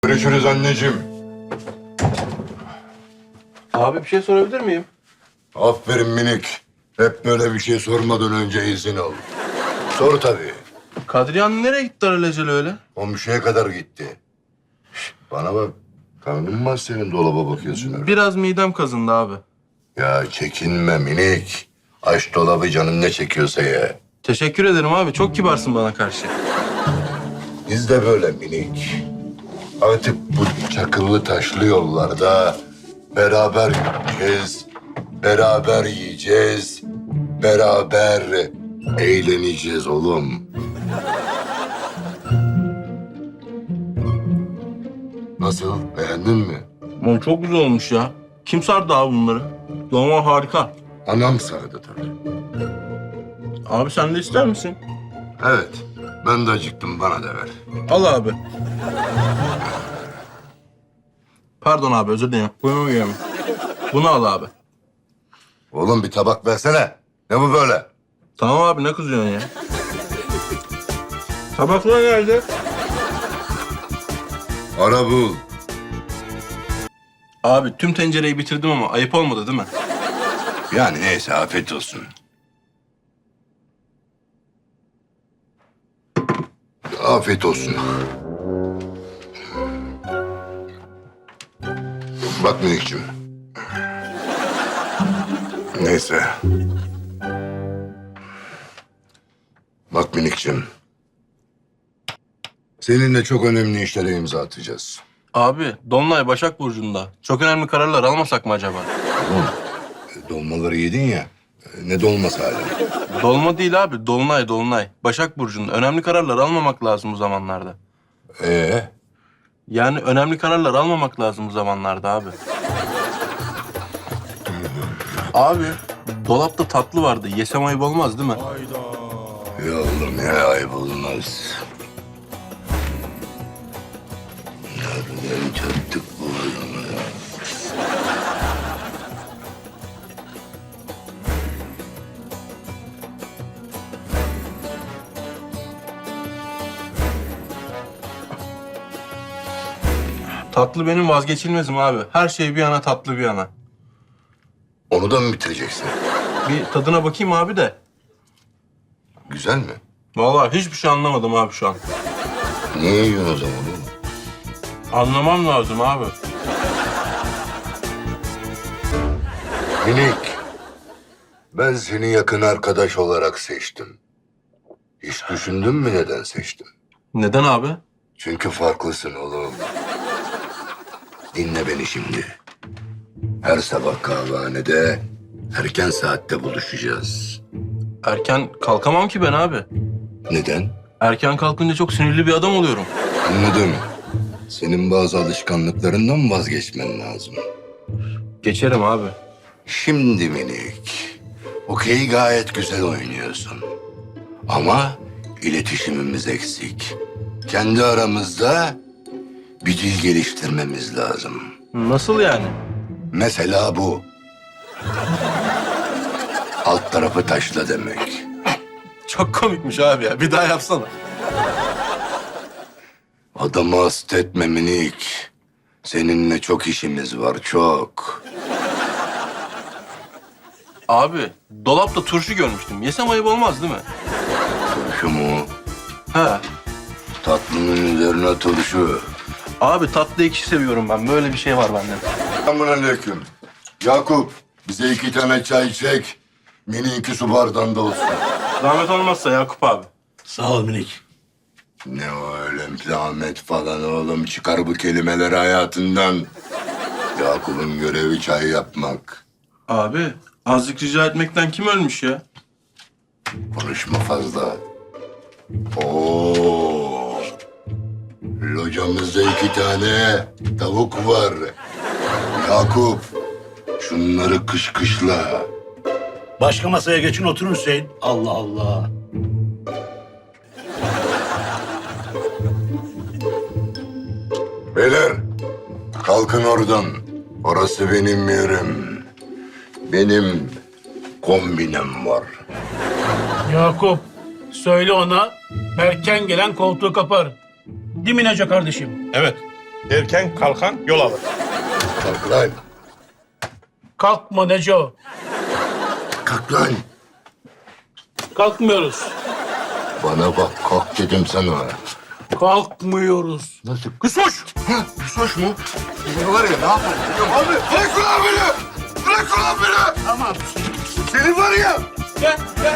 Görüşürüz anneciğim. Abi bir şey sorabilir miyim? Aferin minik. Hep böyle bir şey sormadan önce izin al. Sor tabii. Kadriye Hanım nereye gitti alelacele öyle? Komşuya kadar gitti. Şişt, bana bak. Karnın mı var senin, dolaba bakıyorsun öyle? Biraz midem kazındı abi. Ya çekinme minik. Aç dolabı, canın ne çekiyorsa ye. Teşekkür ederim abi. Çok kibarsın bana karşı. Biz de böyle minik. Artık bu çakıllı taşlı yollarda beraber gideceğiz, beraber yiyeceğiz, beraber eğleneceğiz oğlum. Nasıl? Beğendin mi? Oğlum çok güzel olmuş ya. Kim sardı abi bunları? Dolma harika. Anam sardı tabii. Abi sen de ister misin? Evet, ben de acıktım, bana da ver. Al abi. Pardon abi, özür dilerim. Bunu yiyeyim. Bunu al abi. Oğlum bir tabak versene. Ne bu böyle? Tamam abi, ne kızıyorsun ya? Tabaklar nerede? Ara bul. Abi tüm tencereyi bitirdim ama ayıp olmadı değil mi? Yani neyse, afiyet olsun. Afiyet olsun. Bak minikciğim. Neyse. Bak minikciğim. Seninle çok önemli işlere imza atacağız. Abi Dolunay Başak Burcu'nda. Çok önemli kararlar almasak mı acaba? Oğlum, dolmaları yedin ya. Ne dolması hala? Dolma değil abi, Dolunay, Dolunay. Başak Burcu'nda. Önemli kararlar almamak lazım bu zamanlarda. Yani önemli kararlar almamak lazım bu zamanlarda abi. Abi, dolapta tatlı vardı. Yesem ayıp olmaz değil mi? Ya oğlum ya, ayıp olmaz. Nereden çattık bu adamı ya? Tatlı benim vazgeçilmezim abi. Her şey bir yana, tatlı bir yana. Onu da mı bitireceksin? Bir tadına bakayım abi de. Güzel mi? Vallahi hiçbir şey anlamadım abi şu an. Niye yiyorsun o zaman oğlum? Anlamam lazım abi. Minik, ben seni yakın arkadaş olarak seçtim. Hiç düşündün mü neden seçtim? Neden abi? Çünkü farklısın oğlum. Dinle beni şimdi. Her sabah kahvehanede erken saatte buluşacağız. Erken kalkamam ki ben abi. Neden? Erken kalkınca çok sinirli bir adam oluyorum. Anladım. Senin bazı alışkanlıklarından vazgeçmen lazım. Geçerim abi. Şimdi minik, okey gayet güzel oynuyorsun. Ama iletişimimiz eksik. Kendi aramızda bir dil geliştirmemiz lazım. Nasıl yani? Mesela bu. Alt tarafı taşla demek. Çok komikmiş abi ya. Bir daha yapsana. Adamı hasta etme minik. Seninle çok işimiz var, çok. Abi dolapta turşu görmüştüm. Yesem ayıp olmaz değil mi? Turşu mu? He. Tatlının üzerine turşu. Abi tatlı ekşi seviyorum ben. Böyle bir şey var bende. Selamünaleyküm. Yakup, bize 2 tane çay çek. Mini 2 su bardağında olsun. Zahmet olmazsa Yakup abi. Sağ ol minik. Ne o öyle zahmet falan oğlum. Çıkar bu kelimeleri hayatından. Yakup'un görevi çay yapmak. Abi azıcık rica etmekten kim ölmüş ya? Konuşma fazla. Oo. Locamızda 2 tane tavuk var. Yakup, şunları kışkışla. Başka masaya geçin oturun Hüseyin. Allah Allah. Beyler, kalkın oradan. Orası benim yerim. Benim kombinem var. Yakup, söyle ona erken gelen koltuğu kapar. Değil mi Neco kardeşim? Evet. Erken kalkan yol alır. Kalk lan. Kalkma Neco. Kalk lan. Kalkmıyoruz. Bana bak kalk dedim sana. Kalkmıyoruz. Nasıl? Kısoş! Ha, kısoş mu? Seni var ya ne yaparım? Abi bırak ulan beni! Bırak ulan beni! Tamam. Seni var ya! Gel, gel.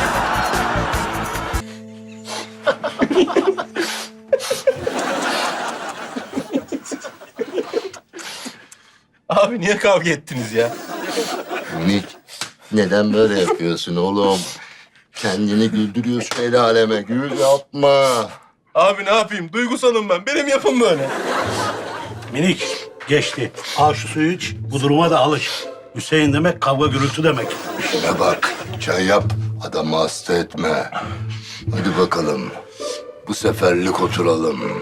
Abi niye kavga ettiniz ya? Minik, neden böyle yapıyorsun oğlum? Kendini güldürüyorsun el aleme. Gül yapma. Abi ne yapayım? Duygusalım ben. Benim yapım böyle. Minik geçti. Al şu suyu iç. Bu duruma da alış. Hüseyin demek kavga gürültü demek. İşine bak. Çay yap. Adamı hasta etme. Hadi bakalım. Bu seferlik oturalım.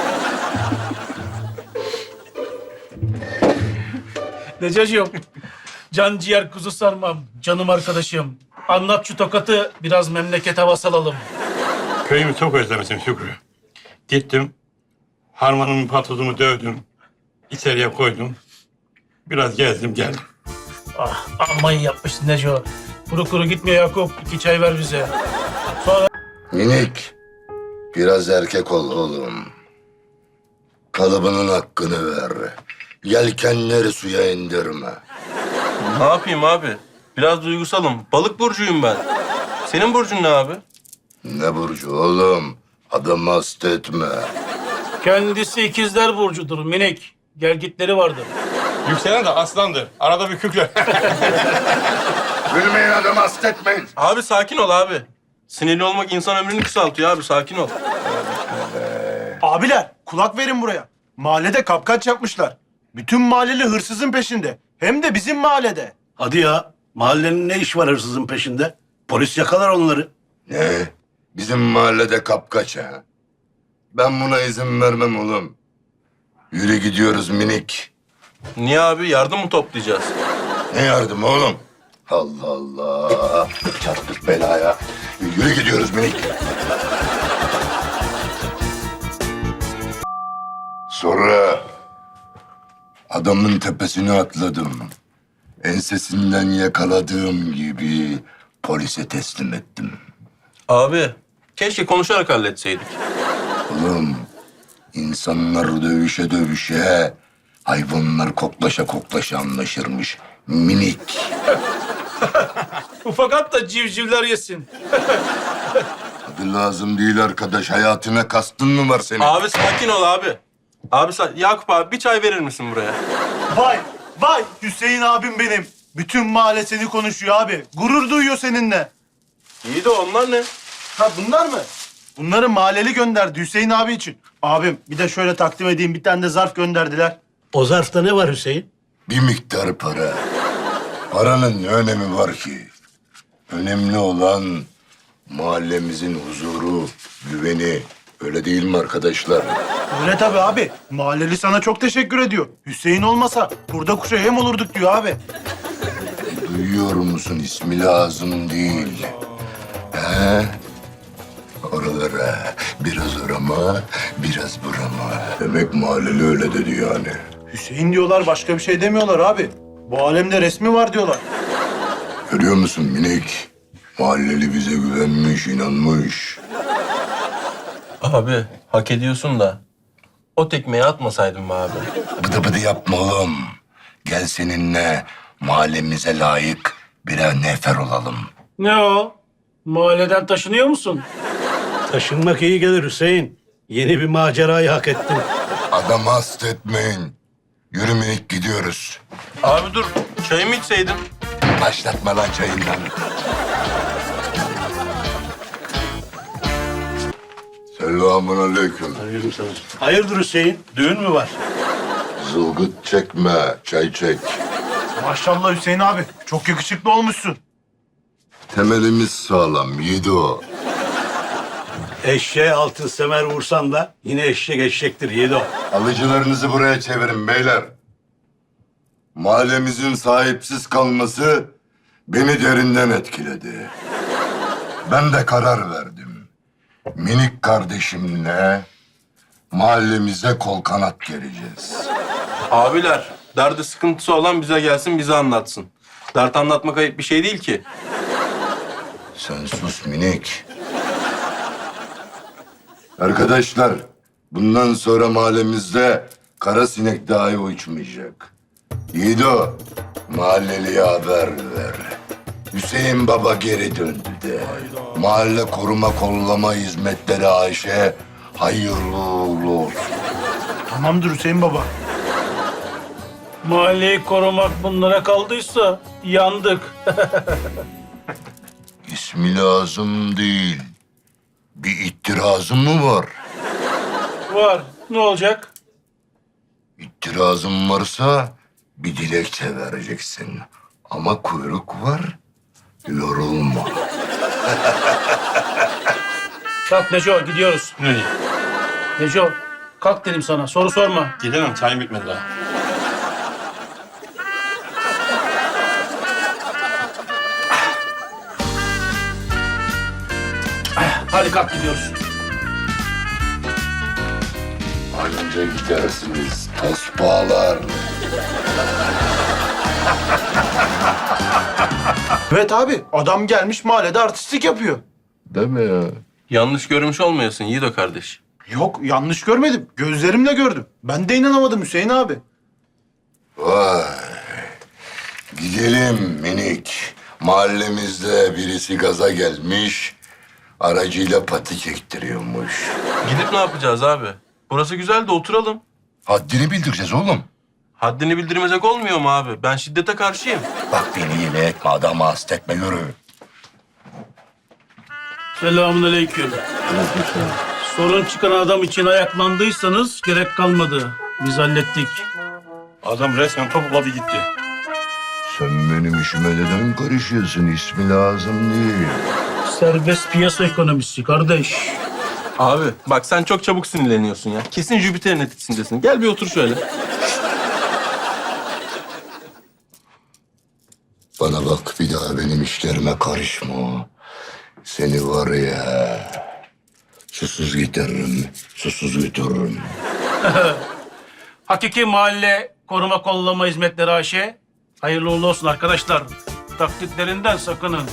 Necacığım. Can ciğer kuzu sarmam. Canım arkadaşım. Anlat şu tokatı, biraz memleket havası alalım. Köyümü çok özlemişim Şükrü. Gittim, harmanımın patozumu dövdüm, içeriye koydum. Biraz gezdim geldim. Ah, amma iyi yapmışsın Neco. Kuru kuru gitme Yakup. 2 çay ver bize. Sonra Minik, biraz erkek ol oğlum. Kalıbının hakkını ver. Yelkenleri suya indirme. Ne yapayım abi? Biraz duygusalım. Balık burcuyum ben. Senin burcun ne abi? Ne burcu oğlum? Adamı hasta etme. kendisi ikizler burcudur minik. Gelgitleri vardır. Yükselen de aslandır. Arada bir kükre. Gülmeyin adamı hasta etmeyin. Abi sakin ol abi. Sinirli olmak insan ömrünü kısaltıyor abi. Sakin ol. Abiler kulak verin buraya. Mahallede kapkaç yapmışlar. Bütün mahalleli hırsızın peşinde. Hem de bizim mahallede. Hadi ya. Mahallenin ne iş var hırsızın peşinde? Polis yakalar onları. Ne? Bizim mahallede kapkaç ha? Ben buna izin vermem oğlum. Yürü gidiyoruz minik. Niye abi? Yardım mı toplayacağız? Ne yardım oğlum? Allah Allah. Çarptık belaya. Yürü gidiyoruz minik. Sonra adamın tepesine atladım. Ensesinden yakaladığım gibi polise teslim ettim. Abi keşke konuşarak halletseydik. Oğlum, insanlar dövüşe dövüşe, hayvanlar koklaşa koklaşa anlaşırmış. Minik. Ufak at da civcivler yesin. Adı lazım değil arkadaş. Hayatına kastın mı var senin? Abi sakin ol abi. Abi Yakup abi bir çay verir misin buraya? Vay vay Hüseyin abim benim. Bütün mahalle seni konuşuyor abi. Gurur duyuyor seninle. İyi de onlar ne? Ha bunlar mı? Bunları mahalleli gönderdi Hüseyin abi için. Abim bir de şöyle takdim edeyim, bir tane de zarf gönderdiler. O zarfta ne var Hüseyin? Bir miktar para. Paranın ne önemi var ki? Önemli olan mahallemizin huzuru, güveni. Öyle değil mi arkadaşlar? Öyle tabii abi. Mahalleli sana çok teşekkür ediyor. Hüseyin olmasa burada kuşa yem olurduk diyor abi. Duyuyor musun? İsmi lazım değil. He? Oralara biraz orama, biraz burama. Demek mahalleli öyle dedi yani. Hüseyin diyorlar, başka bir şey demiyorlar abi. Bu alemde resmi var diyorlar. Görüyor musun minik? Mahalleli bize güvenmiş, inanmış. Abi hak ediyorsun da o tekmeyi atmasaydın be abi. Bıdı bıdı yapma oğlum. Gel seninle mahallemize layık birer nefer olalım. Ne o? Mahalleden taşınıyor musun? Taşınmak iyi gelir Hüseyin. Yeni bir macerayı hak ettin. Adamı hasta etmeyin. Yürü minik gidiyoruz. Abi dur çayımı içseydin. Başlatma lan çayından. Selamun aleyküm. Hayırdır Hüseyin? Düğün mü var? Zılgıt çekme, çay çek. Maşallah Hüseyin abi. Çok yakışıklı olmuşsun. Temelimiz sağlam, yiğidi o. Eşeğe altın semer vursan da yine eşek eşektir Yiğido. Alıcılarınızı buraya çevirin beyler. Mahallemizin sahipsiz kalması beni derinden etkiledi. Ben de karar verdim. Minik kardeşimle Mahallemize kol kanat gereceğiz. Abiler, derdi sıkıntısı olan bize gelsin, bize anlatsın. Dert anlatmak ayıp bir şey değil ki. Sen sus minik. Arkadaşlar, bundan sonra mahallemizde kara sinek dahi uçmayacak. Yiğido, mahalleliye haber ver. Hüseyin Baba geri döndü de. Mahalle koruma kollama hizmetleri Ayşe hayırlı uğurlu olsun. Tamamdır Hüseyin baba. Mahalleyi korumak bunlara kaldıysa yandık. İsmi lazım değil. Bir itirazın mı var? Var. Ne olacak? İtirazın varsa bir dilekçe vereceksin. Ama kuyruk var, yorulma. Kalk Neco gidiyoruz. Nereye? Neco kalk dedim sana. Soru sorma. Gidemem, çayım bitmedi daha. Hadi kalk gidiyoruz. Anca gidersiniz tosbağalar. Evet abi, adam gelmiş mahallede artistlik yapıyor. Değil mi ya? Yanlış görmüş olmayasın Yiğido kardeş. Yok, yanlış görmedim. Gözlerimle gördüm. Ben de inanamadım Hüseyin abi. Vay. Gidelim minik. Mahallemizde birisi gaza gelmiş. Aracıyla patik ektiriyormuş. Gidip ne yapacağız abi? Burası güzel de oturalım. Haddini bildireceğiz oğlum. Haddini bildirmesek olmuyor mu abi? Ben şiddete karşıyım. Bak beni yine etme, adamı hasta etme, yürü. Selamünaleyküm. Sorun çıkan adam için ayaklandıysanız gerek kalmadı. Biz hallettik. Adam resmen topukladı gitti. Sen benim işime neden karışıyorsun? İsmi lazım değil. Serbest piyasa ekonomisi kardeş. Abi bak sen çok çabuk sinirleniyorsun ya. Kesin Jüpiter'in etkisindesin. Gel bir otur şöyle. Bana bak, bir daha benim işlerime karışma. Seni var ya, susuz getiririm, susuz götürürüm. Hakiki mahalle koruma kollama hizmetleri AŞ. Hayırlı uğurlu olsun arkadaşlar. Taklitlerinden sakının.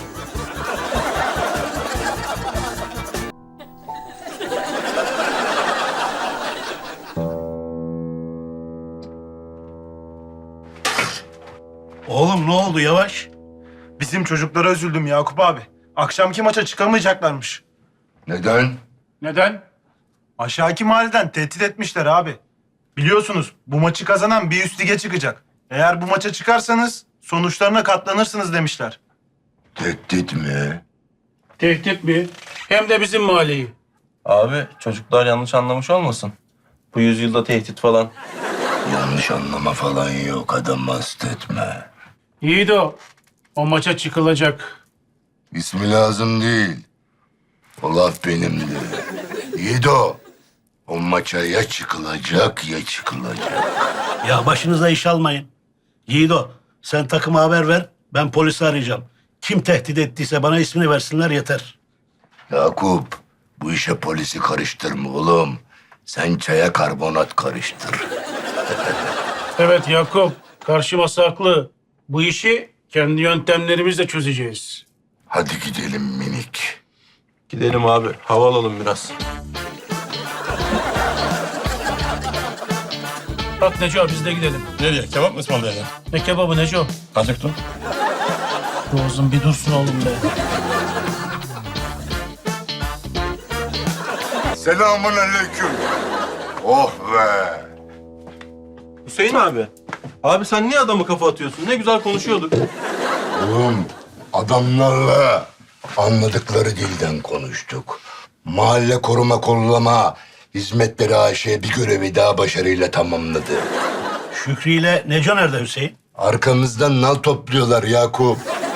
Oğlum ne oldu yavaş? Bizim çocuklara üzüldüm Yakup abi. Akşamki maça çıkamayacaklarmış. Neden? Neden? Aşağıki mahalleden tehdit etmişler abi. Biliyorsunuz bu maçı kazanan bir üst lige çıkacak. Eğer bu maça çıkarsanız sonuçlarına katlanırsınız demişler. Tehdit mi? Tehdit mi? Hem de bizim mahalleyi. Abi çocuklar yanlış anlamış olmasın. Bu yüzyılda tehdit falan. Yanlış anlama falan yok, adam hasta etme. Yiğido, o maça çıkılacak. İsmi lazım değil. O laf benimdi. Yiğido, o maça ya çıkılacak ya çıkılacak. Ya başınıza iş almayın. Yiğido sen takıma haber ver. Ben polisi arayacağım. Kim tehdit ettiyse bana ismini versinler yeter. Yakup, bu işe polisi karıştırma oğlum. Sen çaya karbonat karıştır. Evet Yakup, karşı masa haklı. Bu işi kendi yöntemlerimizle çözeceğiz. Hadi gidelim minik. Gidelim abi. Hava alalım biraz. Bak Neco biz de gidelim. Nereye? Kebap mı ısmarlayacağım? Ne kebabı Neco? Acıktım. Boğazım bir dursun oğlum be. Selamun aleyküm. Oh be. Hüseyin abi. Abi sen niye adamı kafa atıyorsun? Ne güzel konuşuyorduk. Oğlum, adamlarla anladıkları dilden konuştuk. Mahalle koruma kollama hizmetleri AŞ bir görevi daha başarıyla tamamladı. Şükrü ile Neco nerede Hüseyin? Arkamızdan nal topluyorlar Yakup.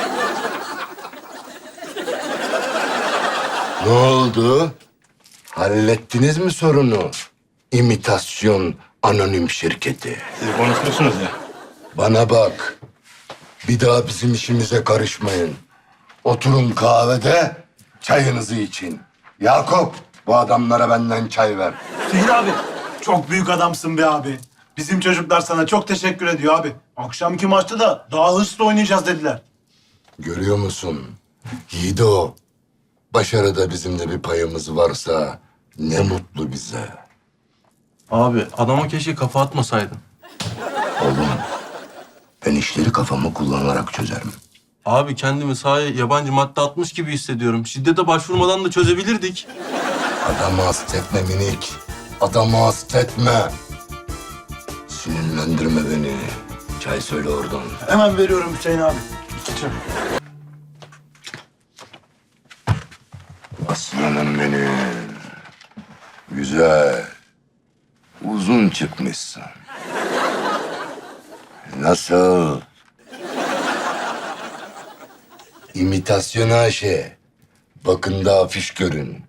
Ne oldu? Hallettiniz mi sorunu? İmitasyon anonim şirketi. Siz konuşmuşsunuz ya. Bana bak. Bir daha bizim işimize karışmayın. Oturun kahvede çayınızı için. Yakup, bu adamlara benden çay ver. Hüseyin abi Çok büyük adamsın be abi. Bizim çocuklar sana çok teşekkür ediyor abi. Akşamki maçta da daha hırslı oynayacağız dediler. Görüyor musun? Yiğido, başarıda bizim de bir payımız varsa ne mutlu bize. Abi adama keşke kafa atmasaydın. Oğlum, ben işleri kafamı kullanarak çözerim. Abi kendimi sahaya yabancı madde atmış gibi hissediyorum. Şiddete başvurmadan da çözebilirdik. Adamı hastetme minik. Adamı hastetme. Sinirlendirme beni. Çay söyle oradan. Hemen veriyorum Hüseyin abi. İçeceğim. Aslanım benim. Güzel. Uzun çıkmışsın. Nasıl? İmitasyon Ayşe. Bakın da afiş görün.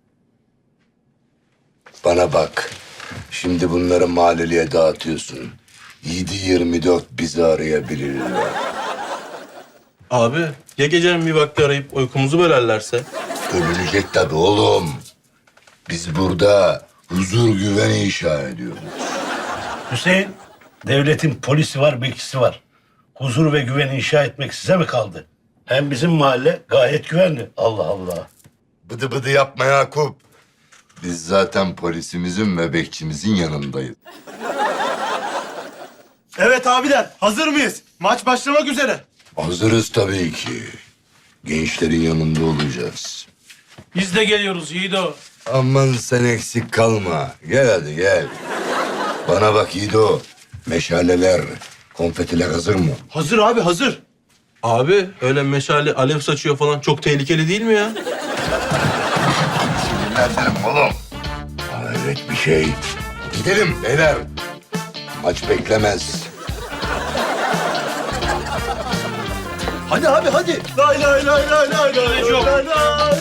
Bana bak. Şimdi bunları mahalleliye dağıtıyorsun. 7-24 bizi arayabilirler. Abi ya gecenin bir vakti arayıp uykumuzu bölerlerse? Övülecek tabii oğlum. Biz burada huzur güveni inşa ediyoruz. Hüseyin, devletin polisi var, bekçisi var. Huzur ve güven inşa etmek size mi kaldı? Hem bizim mahalle gayet güvenli. Allah Allah. Bıdı bıdı yapma Yakup. Biz zaten polisimizin ve bekçimizin yanındayız. Evet abiler, hazır mıyız? Maç başlamak üzere. Hazırız tabii ki. Gençlerin yanında olacağız. Biz de geliyoruz Yiğido. Aman sen eksik kalma. Gel hadi gel. Bana bak Yiğido. Meşaleler, konfetiler hazır mı? Hazır abi, hazır. Abi öyle meşale alev saçıyor falan çok tehlikeli değil mi ya? Sinirlendirim oğlum. Hayret bir şey. Gidelim beyler. Maç beklemez. Hadi abi, hadi. Lay lay lay lay lay lay lay lay.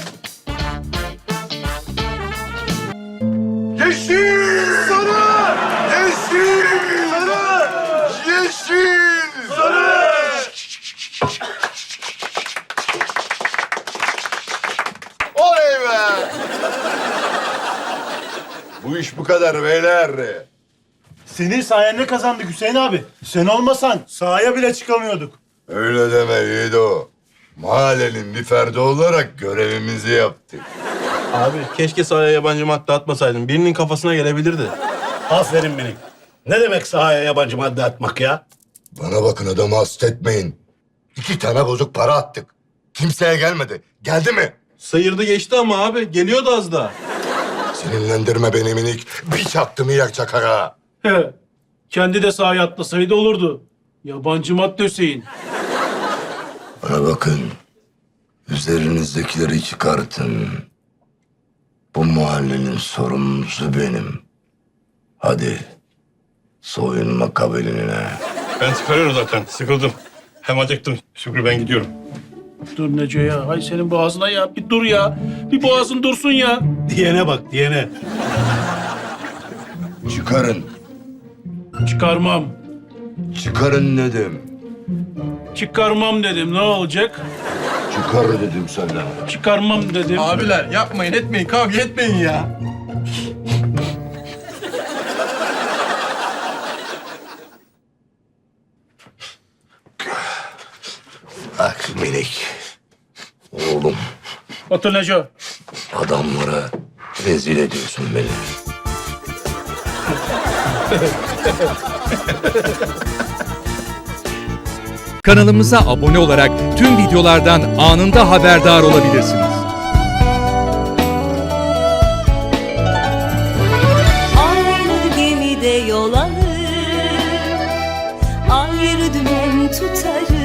Yeşil! Sarı! Yeşil! Sarı! Yeşil! Sarı! Oley be! Bu iş bu kadar beyler. Senin sayende kazandık Hüseyin abi. Sen olmasan sahaya bile çıkamıyorduk. Öyle deme Yiğido. Mahallenin bir ferdi olarak görevimizi yaptık. Abi keşke sahaya yabancı madde atmasaydın. Birinin kafasına gelebilirdi. Aferin minik. Ne demek sahaya yabancı madde atmak ya? Bana bakın adamı hastetmeyin. 2 tane bozuk para attık. Kimseye gelmedi. Geldi mi? Sıyırdı geçti ama abi. Geliyordu az daha. Sinirlendirme beni minik. Bir çaktım yak çakara. He. Kendi de sahaya atlasaydı olurdu. Yabancı madde Hüseyin. Bana bakın. Üzerinizdekileri çıkartın. Bu mahallenin sorumlusu benim. Hadi. Soyunma kabinine. Ben çıkarıyorum zaten. Sıkıldım. Hem acıktım. Şükrü ben gidiyorum. Dur Neco ya. Hay senin boğazına ya. Bir dur ya. Bir boğazın dursun ya. Diyene bak, diyene. Çıkarın. Çıkarmam. Çıkarın dedim. Çıkarmam dedim. Ne olacak? Çıkar dedim sana. Çıkarmam dedim. Abiler yapmayın etmeyin kavga etmeyin ya. Bak minik. Oğlum Otur Neco. adamlara rezil ediyorsun beni. Kanalımıza abone olarak tüm videolardan anında haberdar olabilirsiniz. Aynı gemide yol alır, ayrı dümen tutarız.